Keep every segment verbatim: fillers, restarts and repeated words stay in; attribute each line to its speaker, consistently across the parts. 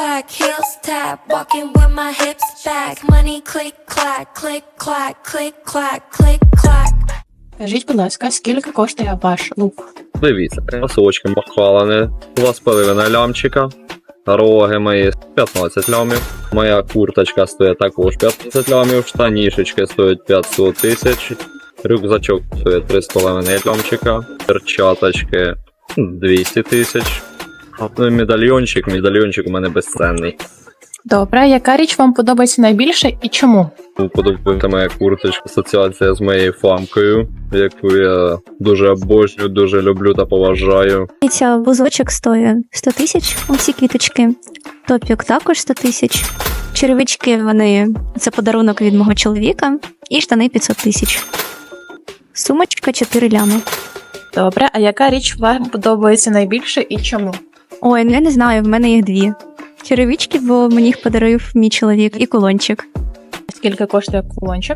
Speaker 1: clack, heels tap, walking with my hips back. Money click clack, click clack, click clack, click clack.
Speaker 2: Скажіть, будь ласка, скільки коштує ваш лук?
Speaker 3: Дивіться, носочки махалини, два з половиною лямчика, роги мої п'ятнадцять лямів, моя курточка стоїть також п'ятнадцять лямів, штанішечки стоять п'ятсот тисяч, рюкзачок стоїть три з половиною лямчика, перчаточки двісті тисяч, ну і медальйончик, медальйончик у мене безцінний.
Speaker 2: Добре, яка річ вам подобається найбільше і чому?
Speaker 3: Подобається моя курточка, асоціація з моєю фамкою, яку я дуже обожнюю, дуже люблю та поважаю.
Speaker 4: Ця вузочок стоїть сто тисяч, усі квіточки. Топік також сто тисяч. Черевички, вони, це подарунок від мого чоловіка. І штани п'ятсот тисяч. Сумочка чотири лями.
Speaker 2: Добре, а яка річ вам подобається найбільше і чому?
Speaker 4: Ой, ну я не знаю, в мене їх дві. Черевички, бо мені їх подарив мій чоловік, і кулончик.
Speaker 2: Скільки коштує кулончик?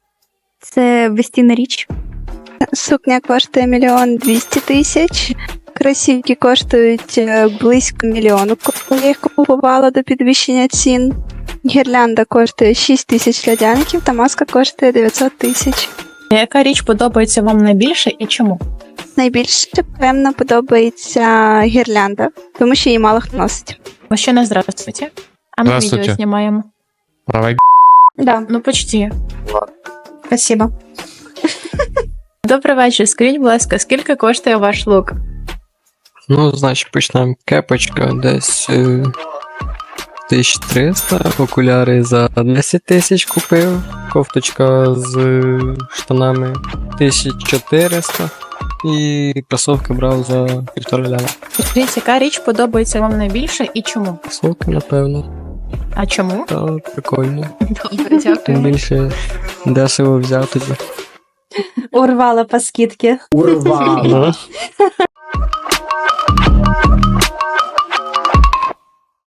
Speaker 4: Це безцінна річ.
Speaker 5: Сукня коштує мільйон двісті тисяч. Кросівки коштують е, близько мільйону, коли я їх купувала до підвищення цін. Гірлянда коштує шість тисяч льодяників, та маска коштує дев'ятсот тисяч.
Speaker 2: Яка річ подобається вам найбільше і чому?
Speaker 5: Найбільше, певно, подобається гірлянда, тому що її мало хто носить.
Speaker 2: Мужчина, здравствуйте. А ми
Speaker 6: Здравствуйте.
Speaker 2: відео знімаємо.
Speaker 6: Давай.
Speaker 5: Да,
Speaker 2: Ну, почти.
Speaker 5: спасибо.
Speaker 2: Добрий вечір. Скажіть, будь ласка, скільки коштує ваш лук?
Speaker 7: Ну, значить, почнемо. Кепочка десь е, тисяча триста, окуляри за десять тисяч купив, кофточка з е, штанами тисяча чотириста і кросовки брав за півтора ляма.
Speaker 2: Скажіть, яка річ подобається вам найбільше і чому?
Speaker 7: Кросовки, напевно,
Speaker 2: А чому?
Speaker 7: та прикольно.
Speaker 2: Добре,
Speaker 7: Тим
Speaker 2: дякую.
Speaker 7: більше дешево взяв тоді.
Speaker 5: Урвала по скидці.
Speaker 7: Ну.